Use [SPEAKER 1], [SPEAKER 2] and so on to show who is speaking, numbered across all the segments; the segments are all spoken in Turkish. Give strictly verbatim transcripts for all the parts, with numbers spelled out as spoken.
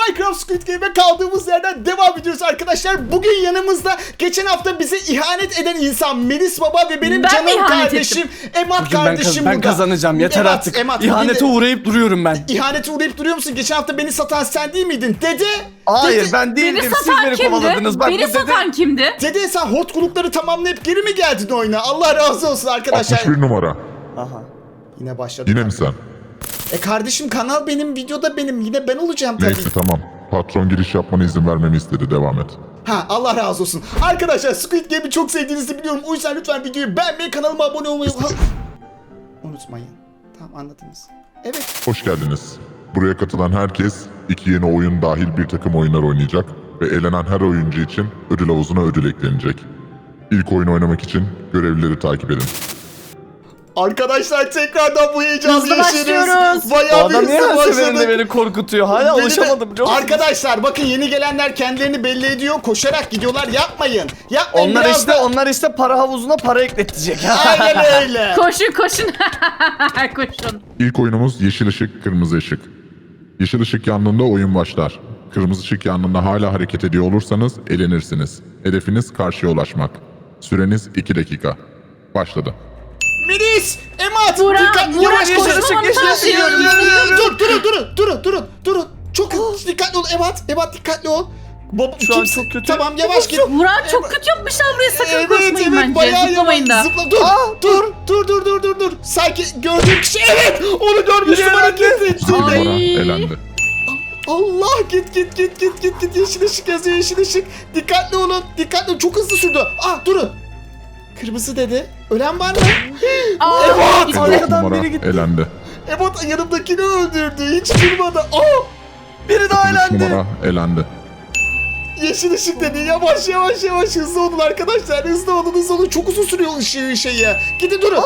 [SPEAKER 1] Minecraft Squid Game'e kaldığımız yerden devam ediyoruz arkadaşlar. Bugün yanımızda geçen hafta bize ihanet eden insan Melis Baba ve benim
[SPEAKER 2] Ben
[SPEAKER 1] canım kardeşim Emat
[SPEAKER 3] Bugün ben,
[SPEAKER 1] kardeşim
[SPEAKER 3] kaz- ben
[SPEAKER 1] burada.
[SPEAKER 3] kazanacağım yeter
[SPEAKER 1] Emat,
[SPEAKER 3] artık.
[SPEAKER 1] Emat,
[SPEAKER 3] İhanete
[SPEAKER 1] bugün de-
[SPEAKER 3] uğrayıp duruyorum ben.
[SPEAKER 1] İhanete uğrayıp duruyor musun? Geçen hafta beni satan sen değil miydin? Dede.
[SPEAKER 3] Hayır
[SPEAKER 1] Dede,
[SPEAKER 3] ben değildim.
[SPEAKER 2] Beni
[SPEAKER 3] Siz
[SPEAKER 2] satan
[SPEAKER 3] beni
[SPEAKER 2] kimdi?
[SPEAKER 3] kovaladınız. Bak,
[SPEAKER 2] Beni
[SPEAKER 3] bu dede-
[SPEAKER 2] satan kimdi?
[SPEAKER 1] Dede sen hotkulukları tamamlayıp geri mi geldin oyuna? Allah razı olsun arkadaşlar.
[SPEAKER 4] altmış bir numara.
[SPEAKER 1] Aha. Yine başladı.
[SPEAKER 4] Yine mi sen?
[SPEAKER 1] E kardeşim kanal benim, videoda benim. Yine ben olacağım tabii.
[SPEAKER 4] Neyse tamam. Patron giriş yapmana izin vermemi istedi. Devam et.
[SPEAKER 1] Ha Allah razı olsun. Arkadaşlar Squid Game'i çok sevdiğinizi biliyorum. O yüzden lütfen videoyu beğenmeyi, kanalıma abone olmayı Ha- unutmayın. Tamam anladınız. Evet.
[SPEAKER 4] Hoş geldiniz. Buraya katılan herkes iki yeni oyun dahil bir takım oyunlar oynayacak ve elenen her oyuncu için ödül havuzuna ödül eklenecek. İlk oyunu oynamak için görevlileri takip edin.
[SPEAKER 1] Arkadaşlar tekrardan bu heyecanı
[SPEAKER 2] Hızlı
[SPEAKER 1] yaşıyoruz.
[SPEAKER 2] başlıyoruz.
[SPEAKER 3] Bu
[SPEAKER 1] Bayağı bir
[SPEAKER 3] adam niye
[SPEAKER 1] hızlı
[SPEAKER 3] her seferinde
[SPEAKER 1] başladık.
[SPEAKER 3] beni korkutuyor? Hala
[SPEAKER 1] Beni de-
[SPEAKER 3] alışamadım biliyor musun?
[SPEAKER 1] Arkadaşlar bakın yeni gelenler kendilerini belli ediyor. Koşarak gidiyorlar. Yapmayın. Yapmayın.
[SPEAKER 3] Onlar
[SPEAKER 1] biraz
[SPEAKER 3] işte
[SPEAKER 1] da-
[SPEAKER 3] onlar işte para havuzuna para ekletecek.
[SPEAKER 1] Aynen öyle.
[SPEAKER 2] Koşun koşun. Koşun.
[SPEAKER 4] İlk oyunumuz yeşil ışık, kırmızı ışık. Yeşil ışık yandığında oyun başlar. Kırmızı ışık yandığında hala hareket ediyor olursanız elenirsiniz. Hedefiniz karşıya ulaşmak. Süreniz iki dakika. Başladı.
[SPEAKER 1] Melis, Emat,
[SPEAKER 2] Burak,
[SPEAKER 1] dikkat,
[SPEAKER 2] Burak,
[SPEAKER 1] yavaş
[SPEAKER 3] yeşil
[SPEAKER 1] koşun.
[SPEAKER 3] ışık, yeşil ışık.
[SPEAKER 1] Yürü, yürü, yürü. Dur, durun, durun, durun, durun, durun. Çok hızlı, dikkatli ol Emat, Emat dikkatli ol. Baba,
[SPEAKER 3] Şu an
[SPEAKER 1] kimse-
[SPEAKER 3] çok kötü.
[SPEAKER 1] Tamam yavaş git.
[SPEAKER 2] Murat çok kötü yapmışlar buraya, sakın
[SPEAKER 1] Evet,
[SPEAKER 2] koşmayın
[SPEAKER 1] evet,
[SPEAKER 2] bence.
[SPEAKER 1] bayağı
[SPEAKER 2] Zıplamayın
[SPEAKER 1] yavaş.
[SPEAKER 2] da.
[SPEAKER 1] Zıpla, dur,
[SPEAKER 3] Aa,
[SPEAKER 1] dur, dur, dur, dur, dur, dur. Sanki gördüğüm kişi, evet, onu görmüştüm
[SPEAKER 3] Yürü,
[SPEAKER 1] hareket
[SPEAKER 4] İki
[SPEAKER 1] ettiğini.
[SPEAKER 4] numara
[SPEAKER 2] Ay.
[SPEAKER 4] elendi.
[SPEAKER 1] Allah, git, git, git, git, git, git. Yeşil ışık yazıyor, yeşil ışık. Dikkatli olun, dikkatli olun. Çok hızlı sürdü. Ah, durun. Kırmızı dedi. Ölen var mı?
[SPEAKER 2] Aa,
[SPEAKER 1] Evet.
[SPEAKER 2] gitti.
[SPEAKER 4] Dört
[SPEAKER 3] Arkadan
[SPEAKER 4] numara
[SPEAKER 3] biri gitti.
[SPEAKER 4] elendi.
[SPEAKER 1] Emat yanımdakini öldürdü. Hiç durmadı. Aa!
[SPEAKER 3] Biri daha
[SPEAKER 4] Üç
[SPEAKER 3] elendi.
[SPEAKER 4] numara elendi.
[SPEAKER 1] Yeşil ışık dedi. Yavaş yavaş yavaş hızlı olun arkadaşlar. Hızlı olun hızlı olun. Çok uzun sürüyor ışığı şeyi. Gidin durun.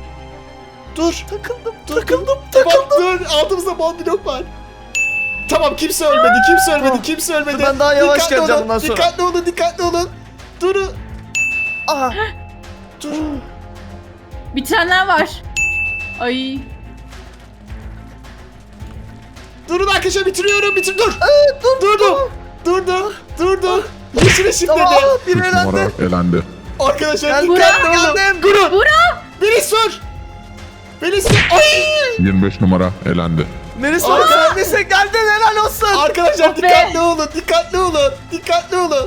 [SPEAKER 1] Dur.
[SPEAKER 3] Takıldım,
[SPEAKER 1] Dur.
[SPEAKER 3] takıldım,
[SPEAKER 1] Tamam
[SPEAKER 3] takıldım.
[SPEAKER 1] dur. Altımızda bal blok var. Tamam kimse ölmedi. Kimse ölmedi.
[SPEAKER 3] Tamam.
[SPEAKER 1] Kimse ölmedi.
[SPEAKER 3] Ben daha yavaş
[SPEAKER 1] Dikkatli
[SPEAKER 3] geleceğim
[SPEAKER 1] olun,
[SPEAKER 3] bundan sonra.
[SPEAKER 1] Dikkatli olun. Dikkatli olun. Durun.
[SPEAKER 3] Aha.
[SPEAKER 1] Dur.
[SPEAKER 2] Bitirenler var. Ay.
[SPEAKER 1] Durun arkadaşlar bitiriyorum. Bitir. Dur. dur. Durdu. Durdu. Durdu. Yeşil ışık
[SPEAKER 3] Tamam,
[SPEAKER 1] dedi.
[SPEAKER 3] aa, biri
[SPEAKER 4] Üç numara
[SPEAKER 3] elendi.
[SPEAKER 4] elendi.
[SPEAKER 1] Arkadaşlar
[SPEAKER 3] Gel
[SPEAKER 1] dikkatli
[SPEAKER 3] buraya,
[SPEAKER 1] olun.
[SPEAKER 3] geldim.
[SPEAKER 1] Durun.
[SPEAKER 2] Burak.
[SPEAKER 1] Melis dur. Melis dur. Ay.
[SPEAKER 4] yirmi beş numara elendi.
[SPEAKER 3] Melis
[SPEAKER 1] Aa.
[SPEAKER 3] bak neredeyse geldin, helal olsun.
[SPEAKER 1] Arkadaşlar
[SPEAKER 2] Oh be.
[SPEAKER 1] dikkatli olun, dikkatli olun, dikkatli olun.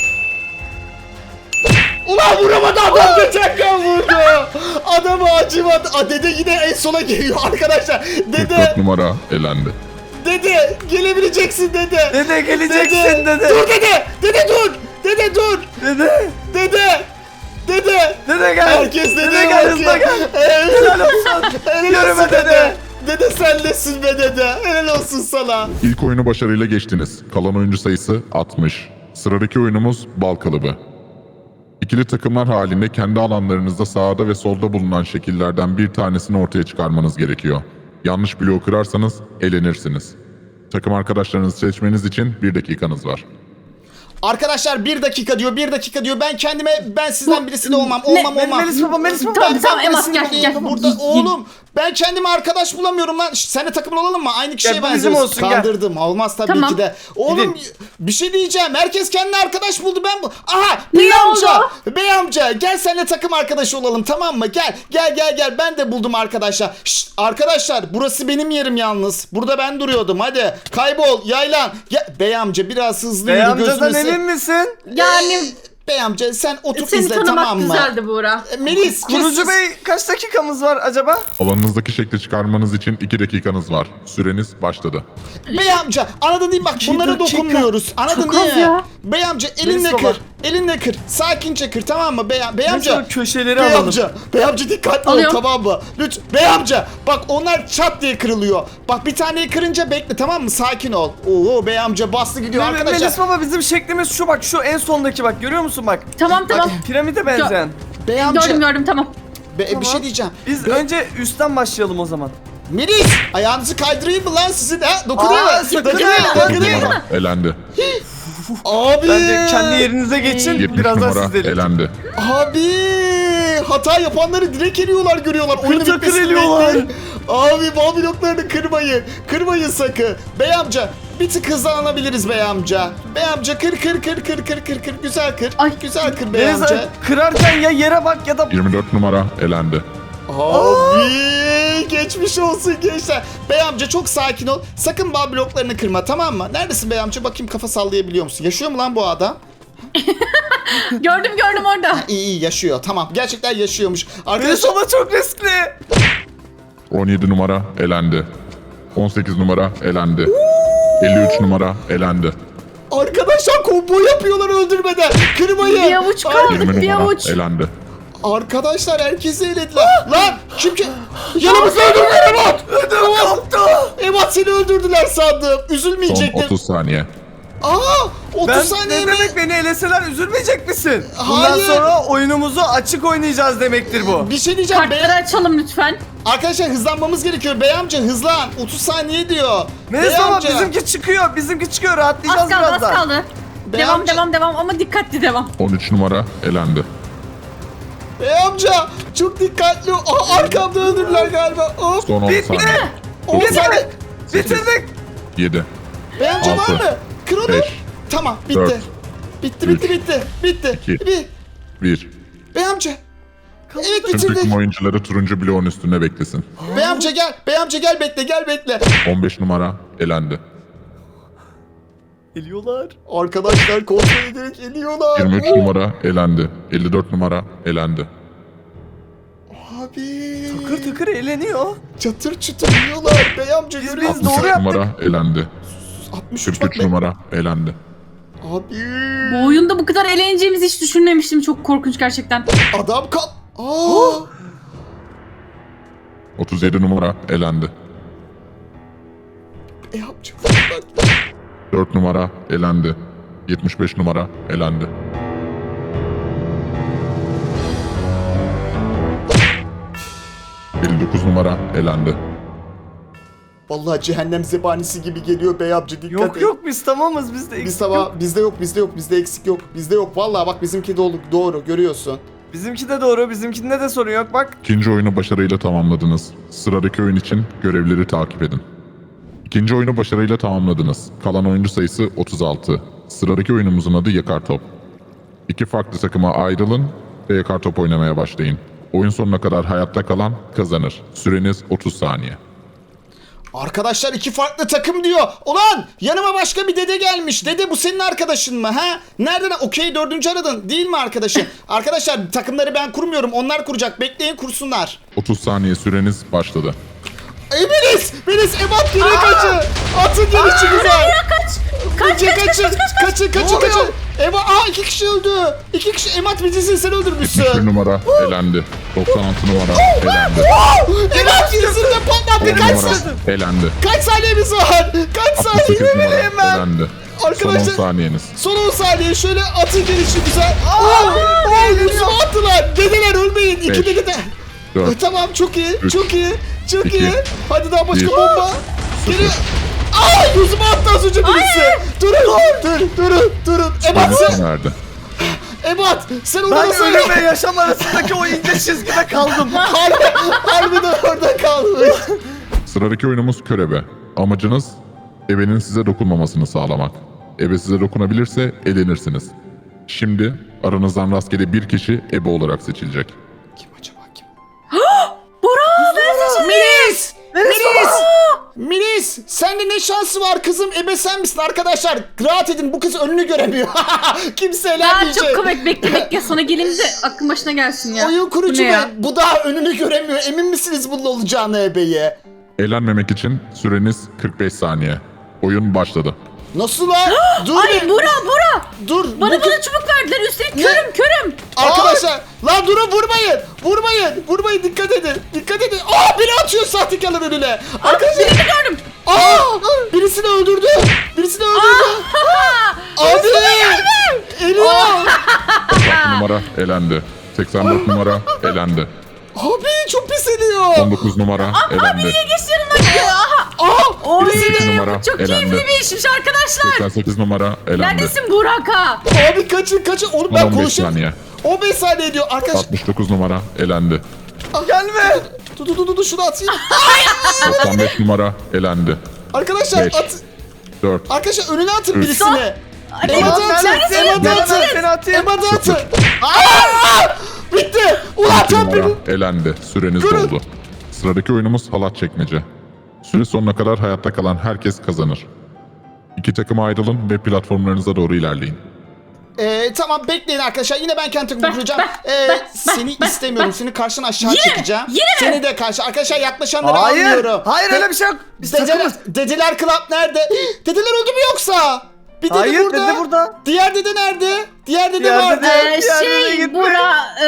[SPEAKER 1] Ulan vuramadı adam, geçen kan vurdu. Adamı acımadı. Aa, dede yine en sona geliyor arkadaşlar.
[SPEAKER 4] kırk dört
[SPEAKER 1] Dede,
[SPEAKER 4] numara elendi.
[SPEAKER 1] dede gelebileceksin dede.
[SPEAKER 3] Dede geleceksin dede.
[SPEAKER 1] Dur dede, dede dur. Dede dur.
[SPEAKER 3] Dede.
[SPEAKER 1] Dede. Dede.
[SPEAKER 3] Dede gel.
[SPEAKER 1] Herkes dede,
[SPEAKER 3] Dede gel, hızla gel.
[SPEAKER 1] Evet.
[SPEAKER 3] Helal olsun.
[SPEAKER 1] Helal
[SPEAKER 3] Yürüme
[SPEAKER 1] olsun
[SPEAKER 3] dede.
[SPEAKER 1] dede. Dede sen nesin be dede. Helal olsun sana.
[SPEAKER 4] İlk oyunu başarıyla geçtiniz. Kalan oyuncu sayısı altmış. Sıradaki oyunumuz bal kalıbı. İkili takımlar halinde kendi alanlarınızda sağda ve solda bulunan şekillerden bir tanesini ortaya çıkarmanız gerekiyor. Yanlış bloğu kırarsanız elenirsiniz. Takım arkadaşlarınızı seçmeniz için bir dakikanız var.
[SPEAKER 1] Arkadaşlar bir dakika diyor, bir dakika diyor. Ben kendime, ben sizden birisi de olmam, olmam,
[SPEAKER 3] Ne-
[SPEAKER 1] olmam.
[SPEAKER 3] Melis baba, Melis baba.
[SPEAKER 2] Tamam
[SPEAKER 1] Ben-
[SPEAKER 2] tamam
[SPEAKER 1] ben
[SPEAKER 2] Emas
[SPEAKER 1] birisini
[SPEAKER 2] gel
[SPEAKER 1] bulayım.
[SPEAKER 2] gel.
[SPEAKER 1] Burada oğlum, ben kendime arkadaş bulamıyorum lan. Şşt, seninle takımlı olalım mı? Aynı kişiye
[SPEAKER 3] Gel, bu
[SPEAKER 1] benziyoruz.
[SPEAKER 3] bizim olsun, gel.
[SPEAKER 1] Kandırdım. Olmaz tabii
[SPEAKER 2] Tamam.
[SPEAKER 1] ki de. Oğlum
[SPEAKER 3] Gidin.
[SPEAKER 1] bir şey diyeceğim. Herkes kendine arkadaş buldu. Ben bu. Aha,
[SPEAKER 2] Ne
[SPEAKER 1] bey amca.
[SPEAKER 2] oldu?
[SPEAKER 1] Bey amca, gel seninle takım arkadaşı olalım, tamam mı? Gel, gel, gel, gel. Ben de buldum arkadaşlar. Şşt, arkadaşlar, burası benim yerim yalnız. Burada ben duruyordum. Hadi kaybol, yaylan. Gel. Bey amca biraz hızlı
[SPEAKER 3] Bey
[SPEAKER 1] yürü,
[SPEAKER 3] amcadan
[SPEAKER 1] gözünü se-
[SPEAKER 3] emin misin?
[SPEAKER 2] Yani
[SPEAKER 1] Bey amca sen otur
[SPEAKER 2] seni
[SPEAKER 1] izle,
[SPEAKER 2] tanımak
[SPEAKER 1] tamam mı?
[SPEAKER 2] güzeldi Burak.
[SPEAKER 1] E, Melis,
[SPEAKER 3] Kurucu
[SPEAKER 1] kes-
[SPEAKER 3] Bey kaç dakikamız var acaba?
[SPEAKER 4] Alanınızdaki şekli çıkarmanız için iki dakikanız var. Süreniz başladı.
[SPEAKER 1] Bey amca anladın değil mi? Bak
[SPEAKER 3] İki
[SPEAKER 1] bunlara
[SPEAKER 3] dakika.
[SPEAKER 1] dokunmuyoruz. Anladın
[SPEAKER 2] Çok
[SPEAKER 1] değil
[SPEAKER 2] az
[SPEAKER 1] mi?
[SPEAKER 2] ya.
[SPEAKER 1] Bey amca elinle
[SPEAKER 3] Melis baba.
[SPEAKER 1] kır. Elinle kır. Sakince kır, tamam mı? Bey, bey amca.
[SPEAKER 3] Mesela köşeleri
[SPEAKER 1] Bey
[SPEAKER 3] alalım.
[SPEAKER 1] amca. Bey amca dikkatli ol,
[SPEAKER 2] Alıyorum.
[SPEAKER 1] tamam mı? Lütfen. Bey amca bak onlar çat diye kırılıyor. Bak bir taneyi kırınca bekle, tamam mı? Sakin ol. Oo bey amca bastı gidiyor
[SPEAKER 3] Me-
[SPEAKER 1] arkadaşlar.
[SPEAKER 3] Melis baba bizim şeklimiz şu, bak şu en sondaki, bak görüyor musun bak?
[SPEAKER 2] Tamam tamam.
[SPEAKER 3] Piramide benzeyen.
[SPEAKER 1] Bey amca.
[SPEAKER 2] Gördüm gördüm tamam.
[SPEAKER 1] Be- Bir
[SPEAKER 3] Tamam.
[SPEAKER 1] şey diyeceğim.
[SPEAKER 3] Biz önce üstten başlayalım o zaman.
[SPEAKER 1] Melis ayağınızı kaydırayım mı lan sizin ha? Dokunuyor
[SPEAKER 3] Aa,
[SPEAKER 1] mu?
[SPEAKER 3] sakın
[SPEAKER 1] Dokunuyor mu?
[SPEAKER 3] ha,
[SPEAKER 4] dokuz
[SPEAKER 1] Dokunuyor mu?
[SPEAKER 4] numara elendi.
[SPEAKER 1] Abi.
[SPEAKER 3] Bence kendi yerinize geçin,
[SPEAKER 4] yetmiş
[SPEAKER 3] birazdan
[SPEAKER 4] numara
[SPEAKER 3] siz de.
[SPEAKER 4] elendi.
[SPEAKER 1] Abi hata yapanları direkt eliyorlar, görüyorlar. Oyunun
[SPEAKER 3] takır
[SPEAKER 1] bitmesini
[SPEAKER 3] eliyorlar.
[SPEAKER 1] bekleyin. Abi bal bloklarını kırmayın. Kırmayın sakın. Bey amca Bir tık hızlanabiliriz bey amca. Bey amca kır kır kır kır kır kır kır. Güzel kır.
[SPEAKER 2] Ay.
[SPEAKER 1] Güzel kır bey
[SPEAKER 3] Deniz
[SPEAKER 1] amca.
[SPEAKER 3] kırarken ya yere bak ya da...
[SPEAKER 4] yirmi dört numara elendi.
[SPEAKER 1] Abi geçmiş olsun gençler. Bey amca çok sakin ol. Sakın bağ bloklarını kırma, tamam mı? Neredesin bey amca? Bakayım kafa sallayabiliyor musun? Yaşıyor mu lan bu adam?
[SPEAKER 2] Gördüm gördüm orada.
[SPEAKER 1] İyi iyi yaşıyor. Tamam. Gerçekten yaşıyormuş.
[SPEAKER 3] Deniz
[SPEAKER 1] Arkadaşlar
[SPEAKER 3] ama çok riskli.
[SPEAKER 4] on yedi numara elendi. on sekiz numara elendi. elli üç numara elendi.
[SPEAKER 1] arkadaşlar combo yapıyorlar öldürmeden. Kırmayın.
[SPEAKER 2] Bir avuç
[SPEAKER 1] Ay,
[SPEAKER 2] kaldı.
[SPEAKER 4] yirmi
[SPEAKER 2] Bir
[SPEAKER 4] numara
[SPEAKER 2] avuç.
[SPEAKER 4] elendi.
[SPEAKER 1] Arkadaşlar herkesi elediler. Lan kim ki? Yanımızda öldürdüler Emat.
[SPEAKER 3] Ödüm koptu.
[SPEAKER 1] Emat seni öldürdüler sandım.
[SPEAKER 4] Son
[SPEAKER 1] Üzülmeyecektin.
[SPEAKER 4] otuz saniye.
[SPEAKER 1] Aa otuz
[SPEAKER 3] Ben
[SPEAKER 1] saniye
[SPEAKER 3] ne
[SPEAKER 1] mi?
[SPEAKER 3] demek beni eleseler üzülmeyecek misin? Bundan
[SPEAKER 1] Hayır.
[SPEAKER 3] sonra oyunumuzu açık oynayacağız demektir bu.
[SPEAKER 1] Bir şey diyeceğim. Bey...
[SPEAKER 2] Kartları açalım lütfen.
[SPEAKER 1] Arkadaşlar hızlanmamız gerekiyor. Bey amca hızlan. otuz saniye diyor.
[SPEAKER 3] Melis
[SPEAKER 1] Bey
[SPEAKER 3] ama
[SPEAKER 1] amca.
[SPEAKER 3] bizimki çıkıyor. Bizimki çıkıyor.
[SPEAKER 2] Az
[SPEAKER 3] Rahatlayacağız
[SPEAKER 2] kaldı az
[SPEAKER 3] birazdan.
[SPEAKER 2] kaldı.
[SPEAKER 1] Bey
[SPEAKER 2] Devam
[SPEAKER 1] amca-
[SPEAKER 2] devam devam ama dikkatli devam.
[SPEAKER 4] on üç numara elendi.
[SPEAKER 1] Bey amca çok dikkatli ol. Aa, arkamda öldürdüler galiba. Of.
[SPEAKER 4] Son on
[SPEAKER 3] Bitti.
[SPEAKER 4] saniye.
[SPEAKER 1] on saniye.
[SPEAKER 3] Bitirdik.
[SPEAKER 4] yedi.
[SPEAKER 1] Bey amca var
[SPEAKER 4] Altı,
[SPEAKER 1] mı? Kır onu.
[SPEAKER 4] beş,
[SPEAKER 1] Tamam bitti.
[SPEAKER 4] dört,
[SPEAKER 1] bitti bitti
[SPEAKER 4] üç,
[SPEAKER 1] bitti. Bitti.
[SPEAKER 4] iki,
[SPEAKER 1] Bir.
[SPEAKER 4] bir.
[SPEAKER 1] Bey amca. Evet
[SPEAKER 4] Tüm
[SPEAKER 1] bitirdik.
[SPEAKER 4] takım oyuncuları turuncu bloğun üstünde beklesin.
[SPEAKER 1] Bey amca gel. Bey amca gel bekle gel bekle.
[SPEAKER 4] on beş numara elendi.
[SPEAKER 3] Geliyorlar.
[SPEAKER 1] Arkadaşlar kontrol ederek geliyorlar.
[SPEAKER 4] yirmi üç
[SPEAKER 1] Oo.
[SPEAKER 4] numara elendi. elli dört numara elendi.
[SPEAKER 1] Abi.
[SPEAKER 3] Tıkır tıkır eğleniyor.
[SPEAKER 1] Çatır çutur yiyorlar. Bey amca
[SPEAKER 3] Biz-
[SPEAKER 1] görüyor
[SPEAKER 3] biz
[SPEAKER 1] musun?
[SPEAKER 3] doğru
[SPEAKER 4] altmış
[SPEAKER 3] yaptık.
[SPEAKER 4] numara elendi.
[SPEAKER 1] altmış üç
[SPEAKER 4] kırk üç
[SPEAKER 1] bak.
[SPEAKER 4] numara elendi.
[SPEAKER 1] Abi.
[SPEAKER 2] Bu oyunda bu kadar eğleneceğimizi hiç düşünmemiştim. Çok korkunç gerçekten.
[SPEAKER 1] Adam kal. Aa.
[SPEAKER 4] otuz yedi numara elendi.
[SPEAKER 1] Bey amca.
[SPEAKER 4] dört numara elendi. yetmiş beş numara elendi. elli dokuz numara elendi.
[SPEAKER 1] Vallahi cehennem zebanisi gibi geliyor bey amca, dikkat
[SPEAKER 3] Yok
[SPEAKER 1] et.
[SPEAKER 3] yok biz tamamız bizde
[SPEAKER 1] Biz
[SPEAKER 3] eksik
[SPEAKER 1] sabah
[SPEAKER 3] yok.
[SPEAKER 1] bizde yok bizde yok bizde eksik yok bizde yok vallahi bak bizimki doğru, doğru görüyorsun.
[SPEAKER 3] Bizimki de doğru. Bizimkinde de sorun yok bak.
[SPEAKER 4] İkinci oyunu başarıyla tamamladınız. Sıradaki oyun için görevleri takip edin. İkinci oyunu başarıyla tamamladınız. Kalan oyuncu sayısı otuz altı. Sıradaki oyunumuzun adı Yakar Top. İki farklı takıma ayrılın ve yakar top oynamaya başlayın. Oyun sonuna kadar hayatta kalan kazanır. Süreniz otuz saniye.
[SPEAKER 1] Arkadaşlar iki farklı takım diyor. Ulan yanıma başka bir dede gelmiş. Dede bu senin arkadaşın mı ha? Nereden? Okey dördüncü aradın değil mi arkadaşın? Arkadaşlar takımları ben kurmuyorum, onlar kuracak. Bekleyin kursunlar.
[SPEAKER 4] otuz saniye süreniz başladı.
[SPEAKER 1] Ey Melis! Melis Ebat geri kaçın! Atın gelişi güzel!
[SPEAKER 2] Kaç! Kaç
[SPEAKER 1] Kaçın
[SPEAKER 2] kaç kaç
[SPEAKER 1] kaçın!
[SPEAKER 2] kaç kaç!
[SPEAKER 1] Kaçın kaçın
[SPEAKER 3] oluyor?
[SPEAKER 1] kaçın! Eba aa iki kişi öldü! İki kişi Emat bizisin sen
[SPEAKER 4] yetmiş bir
[SPEAKER 1] öldürmüşsün!
[SPEAKER 4] numara elendi. doksan altı numara elendi.
[SPEAKER 1] Emat yüzünde patlattı
[SPEAKER 4] on
[SPEAKER 1] kaç
[SPEAKER 4] numara
[SPEAKER 1] sa-
[SPEAKER 4] elendi.
[SPEAKER 1] Kaç saniyemiz var? Kaç
[SPEAKER 4] altmış sekiz
[SPEAKER 1] saniye?
[SPEAKER 4] numara
[SPEAKER 1] Hemen!
[SPEAKER 4] elendi. Son on
[SPEAKER 1] Arkadaşlar
[SPEAKER 4] saniyeniz.
[SPEAKER 1] son on saniye şöyle atın gelişi güzel. Oo! Oo! Yüzüme attılar! Dedeler ölmeyin! İki
[SPEAKER 4] Beş,
[SPEAKER 1] dede de...
[SPEAKER 4] dört,
[SPEAKER 1] Tamam çok iyi
[SPEAKER 4] üç,
[SPEAKER 1] çok iyi çok
[SPEAKER 4] iki,
[SPEAKER 1] iyi. Hadi daha başka
[SPEAKER 4] bir,
[SPEAKER 1] bomba. Geliyor. Aa yüzüme attı az önce birisi. Durun dur durun durun. Ebat
[SPEAKER 4] Süreniz
[SPEAKER 1] sen.
[SPEAKER 4] sona erdi.
[SPEAKER 1] Ebat sen onu
[SPEAKER 3] Ben
[SPEAKER 1] nasıl
[SPEAKER 3] ölüm ve yaşam arasındaki o ince çizgide kaldım.
[SPEAKER 1] Harbi, harbiden orada kalmış.
[SPEAKER 4] Sıradaki oyunumuz körebe. Amacınız ebenin size dokunmamasını sağlamak. Ebe size dokunabilirse elenirsiniz. Şimdi aranızdan rastgele bir kişi ebe olarak seçilecek.
[SPEAKER 1] Kim acaba kim?
[SPEAKER 2] Bora ben seçildim.
[SPEAKER 1] Melis! Melis! Melis! Sende ne şansı var kızım? Ebe sen misin arkadaşlar? Rahat edin bu kız önünü göremiyor. Kimse
[SPEAKER 2] Aa,
[SPEAKER 1] eğlenmeyecek.
[SPEAKER 2] çok komik, bekle bekle sonra gelin de aklın başına gelsin ya.
[SPEAKER 1] Oyun
[SPEAKER 2] Bu
[SPEAKER 1] kurucu
[SPEAKER 2] ne
[SPEAKER 1] be.
[SPEAKER 2] ya?
[SPEAKER 1] Bu daha önünü göremiyor. Emin misiniz bunun olacağını ebeye?
[SPEAKER 4] Eğlenmemek için süreniz kırk beş saniye. Oyun başladı.
[SPEAKER 1] Nasıl lan? Dur
[SPEAKER 2] Ay
[SPEAKER 1] be.
[SPEAKER 2] Bora Bora!
[SPEAKER 1] Dur.
[SPEAKER 2] Bana
[SPEAKER 1] bu kız-
[SPEAKER 2] bana çubuk verdiler üstelik
[SPEAKER 1] Ne?
[SPEAKER 2] körüm körüm.
[SPEAKER 1] Arkadaşlar lan durun vurmayın. Vurmayın. Vurmayın dikkat edin. Dikkat edin. Aa biri atıyor sahtekarlar önüne. Arkadaşlar.
[SPEAKER 2] Birini gördüm.
[SPEAKER 1] Aa birisini öldürdü. Birisini öldürdü. Abi. Eliyor.
[SPEAKER 4] altı numara elendi. seksen dört numara elendi.
[SPEAKER 1] Abi çok pis ediyor.
[SPEAKER 4] on dokuz numara elendi.
[SPEAKER 2] Niye geçti yanımdan? Aha.
[SPEAKER 1] Aa.
[SPEAKER 2] Oy,
[SPEAKER 4] yirmi iki numara
[SPEAKER 2] çok
[SPEAKER 4] elendi.
[SPEAKER 2] keyifli bir işmiş arkadaşlar.
[SPEAKER 4] seksen sekiz numara elendi.
[SPEAKER 2] Neredesin Buraka?
[SPEAKER 1] Abi kaçın kaçın. Oğlum
[SPEAKER 4] Son
[SPEAKER 1] ben
[SPEAKER 4] on beş
[SPEAKER 1] konuşayım.
[SPEAKER 4] saniye.
[SPEAKER 1] on beş saniye diyor arkadaş.
[SPEAKER 4] altmış dokuz numara elendi.
[SPEAKER 3] Gelme.
[SPEAKER 1] Dur dur dur dur şunu atayım.
[SPEAKER 4] doksan beş numara elendi.
[SPEAKER 1] Arkadaşlar
[SPEAKER 4] Beş,
[SPEAKER 1] at.
[SPEAKER 4] dört.
[SPEAKER 1] Arkadaşlar önüne atın
[SPEAKER 4] Üç.
[SPEAKER 1] birisini.
[SPEAKER 2] Ali,
[SPEAKER 1] Emad'ı
[SPEAKER 3] Tamam,
[SPEAKER 1] atın.
[SPEAKER 3] neredesin?
[SPEAKER 1] Emad'ı
[SPEAKER 3] Gel
[SPEAKER 1] atın.
[SPEAKER 3] hemen seni atayım.
[SPEAKER 1] Emad'ı atın. Aa! Bitti. Ulan
[SPEAKER 4] İki
[SPEAKER 1] tam
[SPEAKER 4] numara
[SPEAKER 1] benim.
[SPEAKER 4] elendi. Süreniz
[SPEAKER 1] Durun.
[SPEAKER 4] doldu. Sıradaki oyunumuz halat çekmece. Süre sonuna kadar hayatta kalan herkes kazanır. İki takıma ayrılın ve platformlarınıza doğru ilerleyin.
[SPEAKER 1] Ee, tamam bekleyin arkadaşlar. Yine ben kendi takımı
[SPEAKER 2] Ben-
[SPEAKER 1] kuracağım.
[SPEAKER 2] ben-
[SPEAKER 1] Ee,
[SPEAKER 2] ben-
[SPEAKER 1] seni
[SPEAKER 2] ben-
[SPEAKER 1] istemiyorum. Seni karşına aşağı
[SPEAKER 2] Yine mi?
[SPEAKER 1] çekeceğim.
[SPEAKER 2] Yine mi?
[SPEAKER 1] Seni de karşı. Arkadaşlar yaklaşanları
[SPEAKER 3] Hayır.
[SPEAKER 1] almıyorum.
[SPEAKER 3] Hayır
[SPEAKER 1] De-
[SPEAKER 3] öyle bir şey yok. Biz
[SPEAKER 1] Dedeler,
[SPEAKER 3] takımız.
[SPEAKER 1] dedeler Club nerede? Dedeler öldü mü yoksa? Bir dede
[SPEAKER 3] Hayır,
[SPEAKER 1] burada.
[SPEAKER 3] dede burada.
[SPEAKER 1] Diğer dede nerede? Diğer dede
[SPEAKER 3] Diğer
[SPEAKER 1] vardı.
[SPEAKER 3] dede-
[SPEAKER 2] Ee,
[SPEAKER 3] Diğer nereye
[SPEAKER 2] şey
[SPEAKER 3] gitti?
[SPEAKER 2] bura e,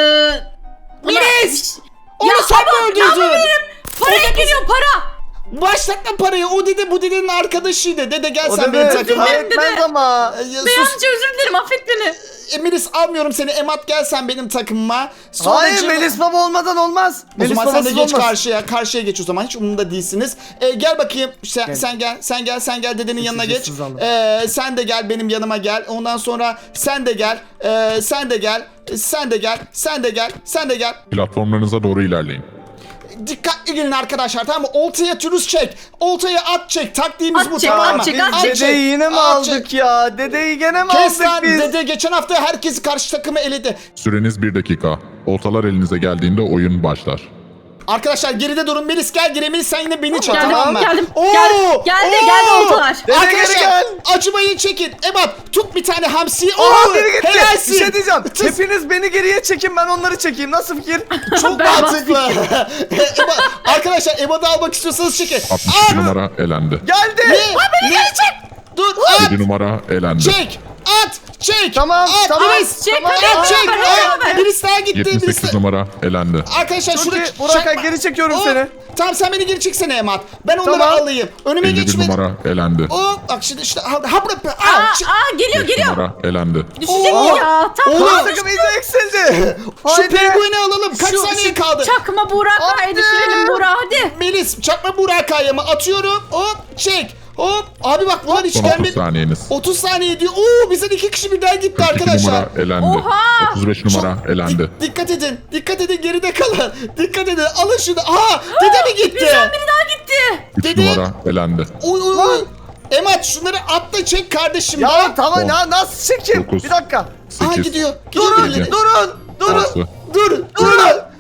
[SPEAKER 1] Melis! Onu
[SPEAKER 2] Ya
[SPEAKER 1] sen mi
[SPEAKER 2] ama ne
[SPEAKER 1] öldürdün?
[SPEAKER 2] yapabilirim? Paraya geliyor para.
[SPEAKER 1] Başlatma parayı. O dede bu dedenin arkadaşıydı. Dede gel
[SPEAKER 3] O
[SPEAKER 1] sen
[SPEAKER 3] da
[SPEAKER 1] benim
[SPEAKER 3] böyle
[SPEAKER 1] takıma.
[SPEAKER 2] Özür dilerim.
[SPEAKER 3] etmez ama.
[SPEAKER 1] Ee, ya
[SPEAKER 2] Bey
[SPEAKER 1] sus.
[SPEAKER 2] amca özür dilerim affet beni.
[SPEAKER 1] Melis almıyorum seni. Emat gel sen benim takımıma. Sonra
[SPEAKER 3] Hayır
[SPEAKER 1] Cem-
[SPEAKER 3] Melis baba olmadan olmaz.
[SPEAKER 1] O
[SPEAKER 3] Melis
[SPEAKER 1] zaman sen de
[SPEAKER 3] babasız
[SPEAKER 1] geç
[SPEAKER 3] olmaz.
[SPEAKER 1] karşıya. Karşıya geç o zaman. Hiç umurumda değilsiniz. Ee, gel bakayım. Sen,
[SPEAKER 3] Gel.
[SPEAKER 1] sen gel. Sen gel. Sen gel dedenin yanına geç.
[SPEAKER 3] Sessiz alın.
[SPEAKER 1] Ee, sen de gel benim yanıma gel. Ondan sonra sen de gel. Ee, sen de gel. Sen de gel. Sen de gel. Sen de gel.
[SPEAKER 4] Platformlarınıza doğru ilerleyin.
[SPEAKER 1] Dikkatli gelin arkadaşlar, tamam mı? Oltaya türüz çek. Oltaya at çek. Taktiğimiz
[SPEAKER 2] At
[SPEAKER 1] bu,
[SPEAKER 2] çek,
[SPEAKER 1] tamam
[SPEAKER 2] at
[SPEAKER 1] mı?
[SPEAKER 2] çek, at
[SPEAKER 1] At
[SPEAKER 2] çek.
[SPEAKER 3] Dedeyi yine mi
[SPEAKER 1] at
[SPEAKER 3] aldık
[SPEAKER 1] çek.
[SPEAKER 3] ya? Dedeyi gene mi
[SPEAKER 1] Kes lan,
[SPEAKER 3] aldık biz?
[SPEAKER 1] dede geçen hafta herkesi karşı takımı eledi.
[SPEAKER 4] Süreniz bir dakika. Oltalar elinize geldiğinde oyun başlar.
[SPEAKER 1] Arkadaşlar geride durun. Melis gel geri. Melis sen yine beni çek,
[SPEAKER 2] Geldim,
[SPEAKER 1] tamam mı?
[SPEAKER 2] geldim.
[SPEAKER 1] Oo,
[SPEAKER 2] Geldi, geldi,
[SPEAKER 1] oo.
[SPEAKER 2] geldi oltalar.
[SPEAKER 3] Dede
[SPEAKER 1] Arkadaşlar
[SPEAKER 3] geri gel.
[SPEAKER 1] acımayı çekin. Ebat tut bir tane hamsiyi. Oo,
[SPEAKER 3] Oha biri gitti.
[SPEAKER 1] helalsin.
[SPEAKER 3] Bir şey diyeceğim.
[SPEAKER 1] Tıs-
[SPEAKER 3] Hepiniz beni geriye çekin ben onları çekeyim. Nasıl fikir?
[SPEAKER 1] Çok
[SPEAKER 2] Berbat
[SPEAKER 1] mantıklı. Ebat, arkadaşlar Ebat'ı almak istiyorsanız çekin.
[SPEAKER 4] altmış
[SPEAKER 1] At.
[SPEAKER 4] iki numara elendi.
[SPEAKER 3] Geldi.
[SPEAKER 1] Ne? Ne? Dur at.
[SPEAKER 4] yedi numara elendi.
[SPEAKER 1] Çek. At. Çek.
[SPEAKER 3] Tamam,
[SPEAKER 1] At.
[SPEAKER 3] tamam.
[SPEAKER 1] Melis.
[SPEAKER 2] Çek,
[SPEAKER 3] Tamam,
[SPEAKER 2] hadi,
[SPEAKER 1] At, çek.
[SPEAKER 2] hadi,
[SPEAKER 1] At.
[SPEAKER 2] hadi.
[SPEAKER 1] Birisi daha gitti.
[SPEAKER 4] yetmiş
[SPEAKER 1] Birisi
[SPEAKER 4] sekiz numara elendi.
[SPEAKER 1] Arkadaşlar
[SPEAKER 3] Çok
[SPEAKER 1] şurada
[SPEAKER 3] iyi. Burak, geri çekiyorum seni.
[SPEAKER 1] Tamam sen beni geri çeksene Emat. Ben onları
[SPEAKER 3] Tamam.
[SPEAKER 1] alayım. Önüme
[SPEAKER 4] elli bir
[SPEAKER 1] geçme.
[SPEAKER 4] numara elendi.
[SPEAKER 1] Oo, bak şimdi işte ha, ha bırak.
[SPEAKER 2] Aa,
[SPEAKER 1] Aa, çek.
[SPEAKER 2] aa geliyor
[SPEAKER 4] beş
[SPEAKER 2] geliyor.
[SPEAKER 4] numara elendi.
[SPEAKER 2] Düşecek
[SPEAKER 1] Oo.
[SPEAKER 2] mi ya? Tam
[SPEAKER 1] Oğlum.
[SPEAKER 2] tam
[SPEAKER 3] Takım iyice eksildi.
[SPEAKER 1] Şu
[SPEAKER 3] Haydi.
[SPEAKER 1] pengueni alalım. Kaç
[SPEAKER 3] Şu-
[SPEAKER 1] saniye
[SPEAKER 3] şu-
[SPEAKER 1] kaldı?
[SPEAKER 2] Çakma Burak
[SPEAKER 3] Hadi.
[SPEAKER 2] haydi düşürelim Burak hadi.
[SPEAKER 1] Melis çakma Burak Kaya'mı atıyorum. Hop çek. Hop. Abi bak bunlar hiç
[SPEAKER 4] Son otuz
[SPEAKER 1] gelmedi.
[SPEAKER 4] saniyeniz.
[SPEAKER 1] otuz saniye diyor. Oo bizden iki kişi birden gitti
[SPEAKER 4] kırk iki
[SPEAKER 1] arkadaşlar.
[SPEAKER 4] numara elendi.
[SPEAKER 2] Oha!
[SPEAKER 4] otuz beş numara
[SPEAKER 1] Çok-
[SPEAKER 4] elendi.
[SPEAKER 1] Dik- dikkat edin. Dikkat edin geride kalın. Dikkat edin. Alın şunu. Aha dede mi gitti?
[SPEAKER 2] Bizden biri daha gitti.
[SPEAKER 4] üç
[SPEAKER 1] Dede-
[SPEAKER 4] numara elendi.
[SPEAKER 1] Oy oy oy. Emat şunları atla çek kardeşim.
[SPEAKER 3] Ya
[SPEAKER 1] Bak.
[SPEAKER 3] tamam
[SPEAKER 4] On,
[SPEAKER 3] ya nasıl çekeyim?
[SPEAKER 4] dokuz,
[SPEAKER 3] Bir dakika.
[SPEAKER 1] Aha
[SPEAKER 4] sekiz,
[SPEAKER 1] gidiyor. Gidiyor
[SPEAKER 3] Durun
[SPEAKER 1] birileri.
[SPEAKER 3] durun durun.
[SPEAKER 4] altı,
[SPEAKER 1] Dur, dur, dur.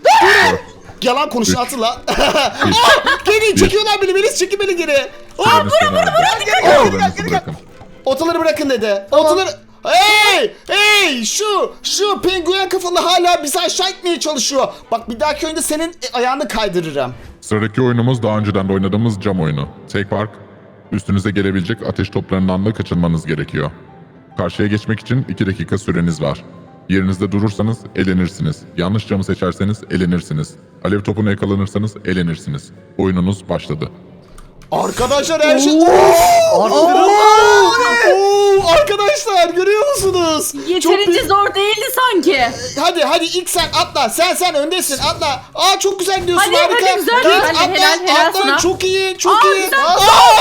[SPEAKER 1] Yalan konuşun atın lan. Aa, geri çekiyorlar beni, Melis çekin beni geri. Aa,
[SPEAKER 4] süreniz sona erdi.
[SPEAKER 3] gel, gel,
[SPEAKER 4] Otalarınızı
[SPEAKER 3] gel, gel.
[SPEAKER 4] bırakın.
[SPEAKER 1] otaları bırakın dedi. Otaları... Hey! Hey! Şu, şu penguen kafalı hala bizi aşağı itmeye çalışıyor. Bak bir dahaki oyunda senin e, ayağını kaydırırım.
[SPEAKER 4] Sıradaki oyunumuz daha önceden de oynadığımız cam oyunu. Take Park. Üstünüze gelebilecek ateş toplarından da kaçınmanız gerekiyor. Karşıya geçmek için iki dakika süreniz var. Yerinizde durursanız elenirsiniz. Yanlış camı seçerseniz elenirsiniz. Alev topuna yakalanırsanız elenirsiniz. Oyununuz başladı.
[SPEAKER 1] Arkadaşlar her şey...
[SPEAKER 3] Arttırın.
[SPEAKER 1] Oo! Oo! Arkadaşlar görüyor musunuz? Çok
[SPEAKER 2] Yeterince
[SPEAKER 1] büyük-
[SPEAKER 2] zor değildi sanki.
[SPEAKER 1] Hadi hadi ilk sen atla. Sen sen öndesin atla. Aa çok güzel gidiyorsun
[SPEAKER 2] Hadi,
[SPEAKER 1] harika.
[SPEAKER 2] hadi, güzel.
[SPEAKER 1] Git,
[SPEAKER 2] Helal,
[SPEAKER 1] atla,
[SPEAKER 2] helal, helal
[SPEAKER 1] atla.
[SPEAKER 2] sana.
[SPEAKER 1] Çok iyi çok
[SPEAKER 2] Aa,
[SPEAKER 1] iyi.
[SPEAKER 2] güzel.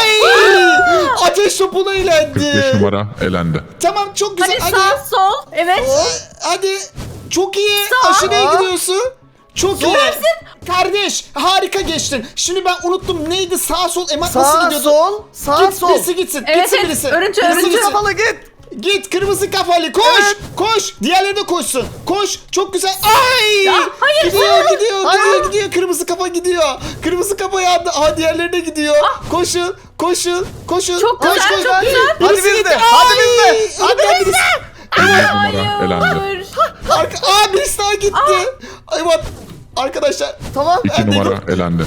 [SPEAKER 1] Ay! Ateş topuna
[SPEAKER 4] kırk beş
[SPEAKER 1] ilendi.
[SPEAKER 4] numara elendi.
[SPEAKER 1] Tamam çok güzel.
[SPEAKER 2] Hadi
[SPEAKER 1] Hadi.
[SPEAKER 2] sağ sol. Evet.
[SPEAKER 1] Hadi. Çok iyi.
[SPEAKER 2] Sağ.
[SPEAKER 1] Aşırıya gidiyorsun. Çok iyi.
[SPEAKER 2] Süpersin.
[SPEAKER 1] Kardeş harika geçtin. Şimdi ben unuttum neydi sağ sol emat nasıl
[SPEAKER 3] Sağ
[SPEAKER 1] gidiyordu?
[SPEAKER 3] sol. Sağ
[SPEAKER 1] Git
[SPEAKER 3] sol.
[SPEAKER 1] birisi gitsin.
[SPEAKER 2] Evet,
[SPEAKER 1] gitsin
[SPEAKER 2] evet.
[SPEAKER 1] birisi.
[SPEAKER 2] Örüntü,
[SPEAKER 1] Birisi
[SPEAKER 2] örüntü.
[SPEAKER 1] gitsin.
[SPEAKER 3] Kafalı git.
[SPEAKER 1] Git kırmızı kafalı koş
[SPEAKER 3] Evet.
[SPEAKER 1] koş diğerleri de koşsun koş çok güzel ay
[SPEAKER 2] Ya, hayır.
[SPEAKER 1] gidiyor gidiyor
[SPEAKER 3] Hayır.
[SPEAKER 1] gidiyor gidiyor kırmızı kafa gidiyor kırmızı kafa yandı aha diğerleri de gidiyor koşun koşun koşun
[SPEAKER 2] Ah. Çok
[SPEAKER 1] koş,
[SPEAKER 2] güzel,
[SPEAKER 1] koş.
[SPEAKER 2] çok güzel.
[SPEAKER 3] Hadi
[SPEAKER 1] Birisi
[SPEAKER 3] biz de,
[SPEAKER 1] gitti.
[SPEAKER 3] hadi
[SPEAKER 1] Ay!
[SPEAKER 3] biz de, hadi
[SPEAKER 1] Hatta
[SPEAKER 3] biz
[SPEAKER 1] birisi-
[SPEAKER 4] elli numara elendi.
[SPEAKER 2] Hayır.
[SPEAKER 1] Arka, aa birisi daha gitti ay bak arkadaşlar
[SPEAKER 3] Tamam.
[SPEAKER 4] iki
[SPEAKER 1] Ben de-
[SPEAKER 4] numara elendi.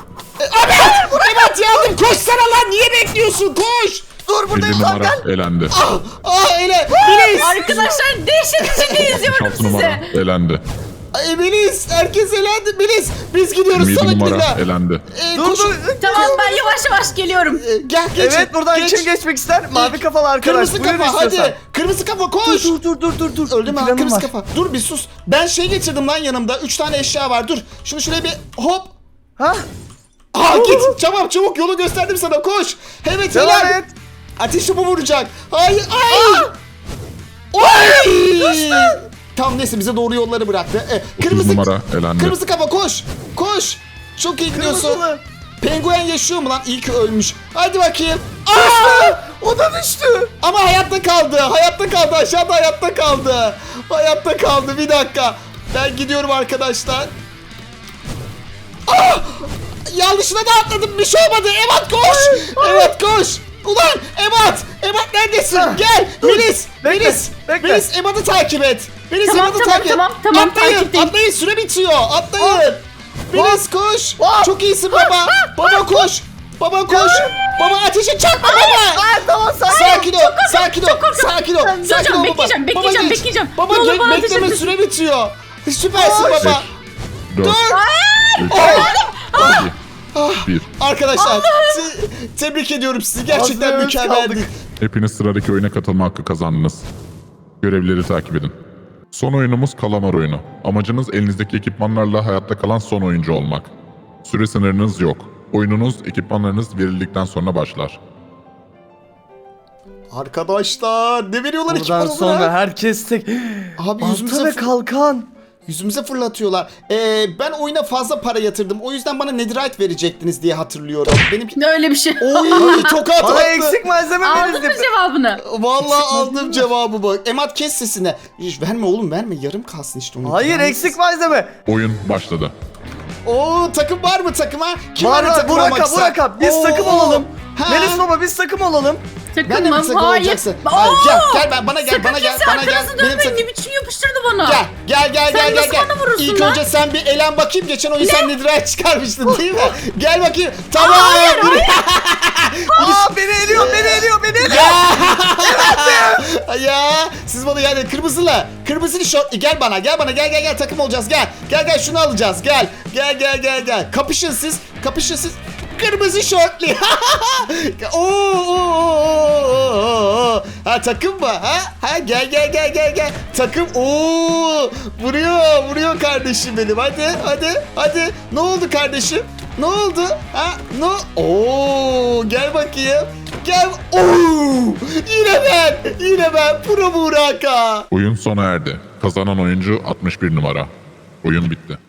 [SPEAKER 1] evet yardım koşsana lan niye bekliyorsun koş
[SPEAKER 3] Dur
[SPEAKER 4] elli
[SPEAKER 3] buradayım lan
[SPEAKER 4] numara
[SPEAKER 3] gel.
[SPEAKER 4] elendi.
[SPEAKER 1] aa öyle Melis
[SPEAKER 2] Arkadaşlar dehşet içinde izliyorum
[SPEAKER 4] altı numara
[SPEAKER 2] sizi.
[SPEAKER 4] elendi.
[SPEAKER 1] ay Melis herkes elendi Melis biz gidiyoruz
[SPEAKER 4] yirmi yedi
[SPEAKER 1] salak
[SPEAKER 4] numara
[SPEAKER 1] Lila
[SPEAKER 4] elendi.
[SPEAKER 1] Ee,
[SPEAKER 3] Dur
[SPEAKER 1] koşun.
[SPEAKER 3] dur.
[SPEAKER 2] Tamam ben yavaş yavaş geliyorum.
[SPEAKER 1] Ee, Gel geç.
[SPEAKER 3] Evet buradan
[SPEAKER 1] geç.
[SPEAKER 3] kim geçmek ister? Mavi kafalı arkadaş.
[SPEAKER 1] Kırmızı
[SPEAKER 3] Buyur
[SPEAKER 1] kafa
[SPEAKER 3] istiyorsan.
[SPEAKER 1] hadi. Kırmızı kafa koş.
[SPEAKER 3] Dur dur dur dur dur.
[SPEAKER 1] Öldü mü?
[SPEAKER 3] Planım
[SPEAKER 1] Kırmızı
[SPEAKER 3] var.
[SPEAKER 1] kafa. Dur bir sus. Ben şey getirdim lan yanımda. Üç tane eşya var. Dur. Şunu şuraya bir hop.
[SPEAKER 3] Ha?
[SPEAKER 1] Aa git. Çabuk çabuk yolu gösterdim sana. Koş. Evet
[SPEAKER 3] Devam
[SPEAKER 1] helal.
[SPEAKER 3] et.
[SPEAKER 1] Ateş topu vuracak. Ay ay. Oy. Tamam neyse bize doğru yolları bıraktı. Ee,
[SPEAKER 4] otuz
[SPEAKER 1] kırmızı
[SPEAKER 4] numara elendi.
[SPEAKER 1] Kırmızı kafa koş. Koş. Çok iyi gidiyorsun.
[SPEAKER 3] Kırmızılı.
[SPEAKER 1] Penguen yaşıyor mu lan? İyi ki ölmüş. Hadi bakayım. Aa!
[SPEAKER 3] O da düştü.
[SPEAKER 1] Ama hayatta kaldı. Hayatta kaldı. Aşağıda hayatta kaldı. Hayatta kaldı. Bir dakika. Ben gidiyorum arkadaşlar. Ah! Yanlışına da atladım. Bir şey olmadı. Emat koş. Emat koş. Ulan Emat. Emat neredesin?
[SPEAKER 3] Ah,
[SPEAKER 1] Gel.
[SPEAKER 3] dur.
[SPEAKER 1] Melis.
[SPEAKER 3] Bekle,
[SPEAKER 1] Melis.
[SPEAKER 3] bekle.
[SPEAKER 1] Melis Emat'ı takip et. Melis
[SPEAKER 2] Tamam,
[SPEAKER 1] Emat'ı
[SPEAKER 2] tamam,
[SPEAKER 1] takip et.
[SPEAKER 2] tamam, tamam,
[SPEAKER 1] Atlayın.
[SPEAKER 2] takipteyim.
[SPEAKER 1] Atlayın. Süre bitiyor. Atlayın. Melis koş.
[SPEAKER 3] Ah!
[SPEAKER 1] Çok iyisin baba. Baba koş. Baba koş. Baba ateşe çarpma baba.
[SPEAKER 3] Aa, tamam sakin.
[SPEAKER 1] Sakin ol, sakin ol, sakin ol,
[SPEAKER 2] Duracağım,
[SPEAKER 1] sakin ol baba.
[SPEAKER 2] bekleyeceğim,
[SPEAKER 1] Baba
[SPEAKER 2] bekleyeceğim,
[SPEAKER 1] geç.
[SPEAKER 2] bekleyeceğim.
[SPEAKER 1] Baba
[SPEAKER 2] Ne olur
[SPEAKER 1] ge-
[SPEAKER 2] bana
[SPEAKER 1] bekleme
[SPEAKER 2] ateş et.
[SPEAKER 1] süre bitiyor. Süpersin
[SPEAKER 4] beş,
[SPEAKER 1] baba.
[SPEAKER 4] dört,
[SPEAKER 1] Dur.
[SPEAKER 4] iki, bir.
[SPEAKER 1] Arkadaşlar te- tebrik ediyorum sizi. Gerçekten
[SPEAKER 3] Ağzına
[SPEAKER 1] mükemmeldi.
[SPEAKER 3] kaldık.
[SPEAKER 4] Hepiniz sıradaki oyuna katılma hakkı kazandınız. Görevleri takip edin. Son oyunumuz kalamar oyunu. Amacınız elinizdeki ekipmanlarla hayatta kalan son oyuncu olmak. Süre sınırınız yok. Oyununuz ekipmanlarınız verildikten sonra başlar.
[SPEAKER 1] Arkadaşlar ne veriyorlar
[SPEAKER 3] Buradan
[SPEAKER 1] ekipmanı
[SPEAKER 3] sonra
[SPEAKER 1] buna?
[SPEAKER 3] herkes tek.
[SPEAKER 1] Abi
[SPEAKER 3] Balta
[SPEAKER 1] yüzümüze,
[SPEAKER 3] ve
[SPEAKER 1] fır-
[SPEAKER 3] kalkan.
[SPEAKER 1] yüzümüze fırlatıyorlar. Ee, ben oyuna fazla para yatırdım. O yüzden bana netherite verecektiniz diye hatırlıyorum. Benimki...
[SPEAKER 2] Ne öyle bir şey.
[SPEAKER 1] Oy tokat
[SPEAKER 3] Bana
[SPEAKER 1] attı.
[SPEAKER 3] eksik malzeme
[SPEAKER 2] Aldın mı
[SPEAKER 3] verildi.
[SPEAKER 2] cevabını?
[SPEAKER 1] Vallahi aldım cevabı bu. Emat kes sesini. Hiç verme oğlum verme. Yarım kalsın işte onun.
[SPEAKER 3] Hayır
[SPEAKER 1] Yani-
[SPEAKER 3] eksik malzeme.
[SPEAKER 4] Oyun başladı.
[SPEAKER 1] Oo takım var mı takıma? Kim
[SPEAKER 3] Var
[SPEAKER 1] var
[SPEAKER 3] var
[SPEAKER 1] takım olmak
[SPEAKER 3] Burak'a
[SPEAKER 1] ister?
[SPEAKER 3] Burak'a biz
[SPEAKER 1] Oo,
[SPEAKER 3] takım olalım.
[SPEAKER 1] ha.
[SPEAKER 3] Melis baba biz takım olalım.
[SPEAKER 1] Ben de
[SPEAKER 2] Takım
[SPEAKER 1] mi
[SPEAKER 2] mı?
[SPEAKER 1] takım
[SPEAKER 2] Hayır.
[SPEAKER 1] olacaksın?
[SPEAKER 2] Oo!
[SPEAKER 1] Hayır, gel gel ben bana gel
[SPEAKER 2] Sakın
[SPEAKER 1] bana gel
[SPEAKER 2] kimse
[SPEAKER 1] bana gel.
[SPEAKER 2] arkanızı
[SPEAKER 1] Benim
[SPEAKER 2] dönmeyin.
[SPEAKER 1] takım.
[SPEAKER 2] Ne biçim yapıştırdı bana.
[SPEAKER 1] Gel gel gel
[SPEAKER 2] Sen
[SPEAKER 1] gel gel
[SPEAKER 2] nasıl
[SPEAKER 1] gel.
[SPEAKER 2] bana vurursun
[SPEAKER 1] İlk
[SPEAKER 2] lan?
[SPEAKER 1] önce sen bir elen bakayım. Geçen oyun sen netherite çıkarmıştın değil mi? Gel bakayım. Tamam.
[SPEAKER 2] Hayır,
[SPEAKER 1] dur.
[SPEAKER 3] Aa beni eliyor beni eliyor beni eliyor.
[SPEAKER 1] Ya. ya siz bana yani kırmızılı kırmızılı şort gel bana gel bana gel gel gel takım olacağız gel gel gel şunu alacağız gel gel gel gel gel kapışın siz kapışın siz kırmızı şortlu oo, oo, oo, oo. Ha takım mı ha ha gel gel gel gel gel takım oo vuruyor vuruyor kardeşim benim hadi hadi hadi ne oldu kardeşim ne oldu ha no oo gel bakayım gel oo yine ben yine ben Pro Buraka.
[SPEAKER 4] Oyun sona erdi. Kazanan oyuncu altmış bir numara. Oyun bitti.